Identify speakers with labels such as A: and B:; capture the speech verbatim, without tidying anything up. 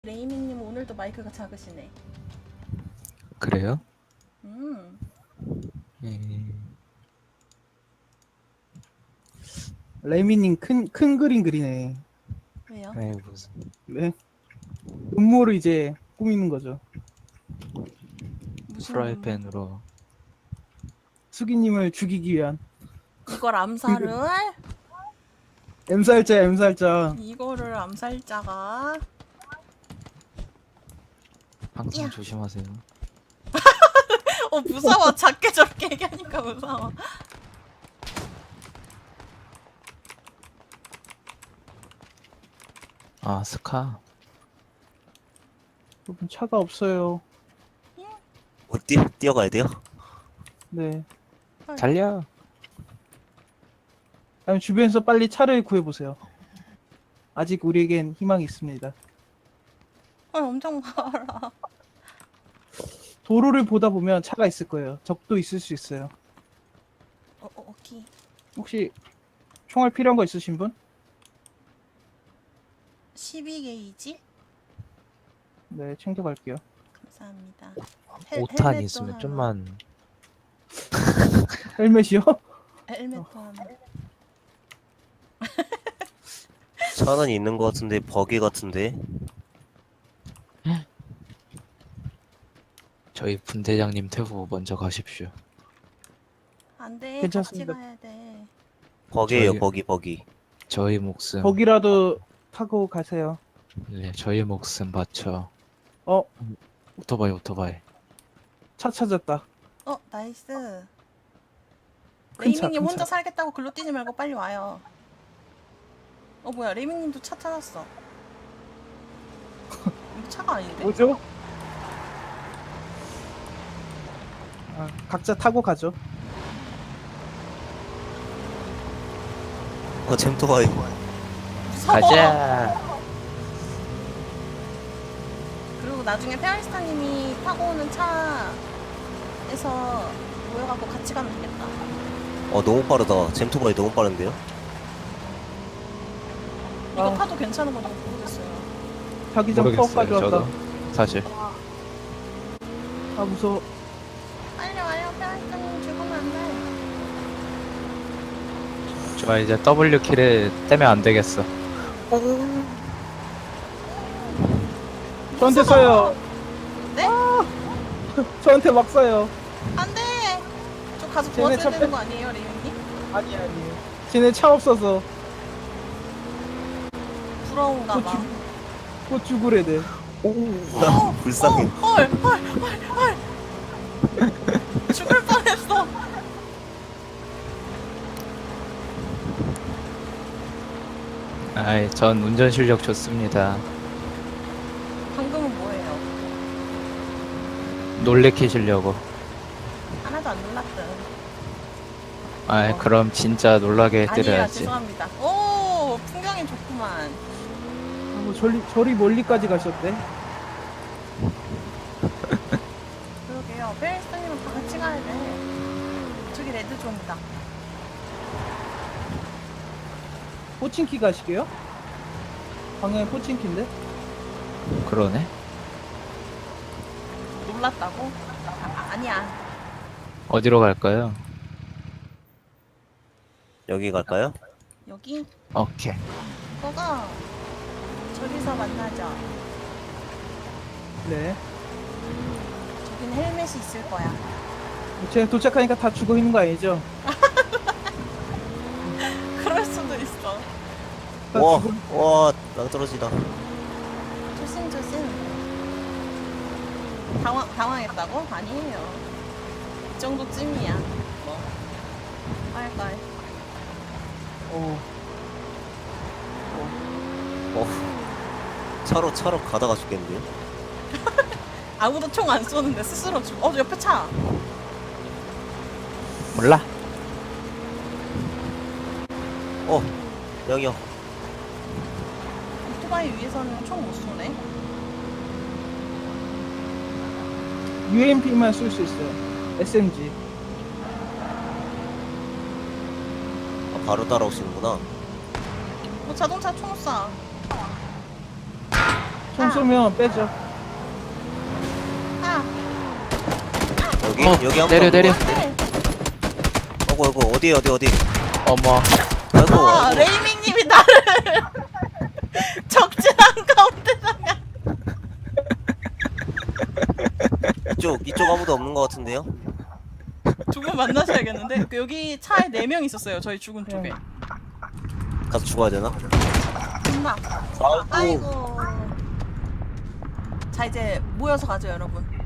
A: 레이미님 오늘도 마이크가 작으시네.
B: 그래요?
A: 음.
B: 예.
C: 레미님 큰, 큰 그림 그리네.
A: 왜요?
B: 아이 무슨
C: 네. 음모를 이제 꾸미는 거죠.
A: 무슨
B: 프라이팬으로
C: 수기님을 죽이기 위한.
A: 이걸 암살을?
C: 엠살자, 엠살자.
A: 이거를 암살자가
B: 항상
A: 야.
B: 조심하세요.
A: 어 무서워. 작게 저렇게 얘기하니까 무서워.
B: 아 스카
C: 여러분, 차가 없어요.
D: 어, 뛰, 뛰어가야 돼요?
C: 네.
B: 달려.
C: 아니면 주변에서 빨리 차를 구해보세요. 아직 우리에겐 희망이 있습니다.
A: 헐 엄청 많아.
C: 도로를 보다 보면 차가 있을 거예요. 적도 있을 수 있어요.
A: 어, 어 오케이.
C: 혹시 총알 필요한 거 있으신 분?
A: 십이 게이지?
C: 네, 챙겨갈게요.
A: 감사합니다.
B: 오 탄
A: 헬멧도
B: 있으면
A: 하나.
B: 좀만
C: 헬멧이요?
A: 헬멧도 하나.
D: 차는 있는 것 같은데 버기 같은데.
B: 저희 분대장님 태우 먼저 가십시오.
A: 안돼. 같이
C: 괜찮습니다.
A: 가야 돼.
D: 버기예요.
B: 저희-
D: 버기 버기.
B: 저희 목숨
C: 거기라도 타고 가세요.
B: 네, 저희 목숨 바쳐.
C: 어,
B: 오토바이 오토바이.
C: 차 찾았다.
A: 어 나이스.
C: 큰 차,
A: 레이미님
C: 큰
A: 혼자
C: 차.
A: 살겠다고 글로 뛰지 말고 빨리 와요. 어 뭐야 레이미님도 차 찾았어. 이거 차가 아닌데?
C: 뭐죠? 아, 각자 타고 가죠.
D: 어 잼토바이.
A: 무서워.
B: 가자.
A: 그리고 나중에 페어리스타님이 타고 오는 차에서 모여갖고 같이 가면 되겠다.
D: 어 너무 빠르다. 잼토바이 너무 빠른데요?
A: 이거
C: 아.
A: 타도 괜찮은 건지 모르겠어요.
C: 자기장 파워까지 왔다.
B: 저도 사실
C: 아, 무서워.
A: 빨리 와요 페어리스타님 죽으면 안 돼.
B: 저 이제 W 키를 떼면 안 되겠어.
C: 저한테 쏴요.
A: 네?
C: 저한테 막 쏴요.
A: 안 돼! 저 가서
C: 쟤네
A: 도와줘야
C: 차
A: 되는
C: 빼-
A: 거 아니에요 레이미님?
C: 아니, 아니. 쟤네 차 없어서
A: 부러운가
C: 곧,
A: 봐.
C: 죽, 곧 죽으래 돼.
A: 어,
D: 불쌍해.
A: 어, 헐, 헐, 헐, 헐. 죽을 뻔했어.
B: 아이, 전 운전 실력 좋습니다.
A: 방금은 뭐예요?
B: 놀래키시려고.
A: 하나도 안 놀랐든.
B: 아이,
A: 어.
B: 그럼 진짜 놀라게
A: 아니에요,
B: 해드려야지.
A: 죄송합니다. 오, 풍경이 좋구만.
C: 아, 뭐 저리, 저리 멀리까지 가셨대.
A: 그러게요. 페리스타님은 다 같이 가야 돼. 저기 레드존이다.
C: 포친키 가시게요? 방향이 포친키인데?
B: 그러네.
A: 놀랐다고? 아, 아니야.
B: 어디로 갈까요?
D: 여기 갈까요?
A: 여기?
B: 오케이.
A: 거가 저기서 만나죠.
C: 네.
A: 저긴 헬멧이 있을 거야.
C: 쟤 도착하니까 다 죽어 있는 거 아니죠?
A: 그럴 수도 있어.
C: 다
D: 와,
C: 죽어.
D: 와, 낭떨어지다.
A: 조심 조심. 당황 당황했다고? 아니에요. 이 정도쯤이야. 뭐. 빨빨.
C: 어.
D: 어, 차로 차로 가다가 죽겠는데요?
A: 아무도 총 안 쏘는데 스스로 죽. 어 옆에 차.
B: 몰라.
D: 어, 여기요.
A: 오토바이 위에서는 총 못 쏘네.
C: 유엠피만 쏠 수 있어요. 에스엠지.
D: 아, 바로 따라오시는구나.
A: 어 자동차 총 쏴.
C: 총 쏘면 빼죠.
A: 아,
D: 여기
B: 어,
D: 여기 한번
B: 내려, 내려.
A: 네.
D: 어구 어구 어디 어디 어디.
B: 어머.
D: 아이고
A: 아,
D: 아이고.
A: 레이밍님이 나를 적진한 가운데다가.
D: 이쪽 이쪽 아무도 없는 것 같은데요?
A: 두분 만나셔야겠는데. 그 여기 차에 네 명 있었어요. 저희 죽은 쪽에.
D: 가서 죽어야 되나?
A: 존나.
D: 아이고.
A: 아이고. 자 이제 모여서 가죠 여러분.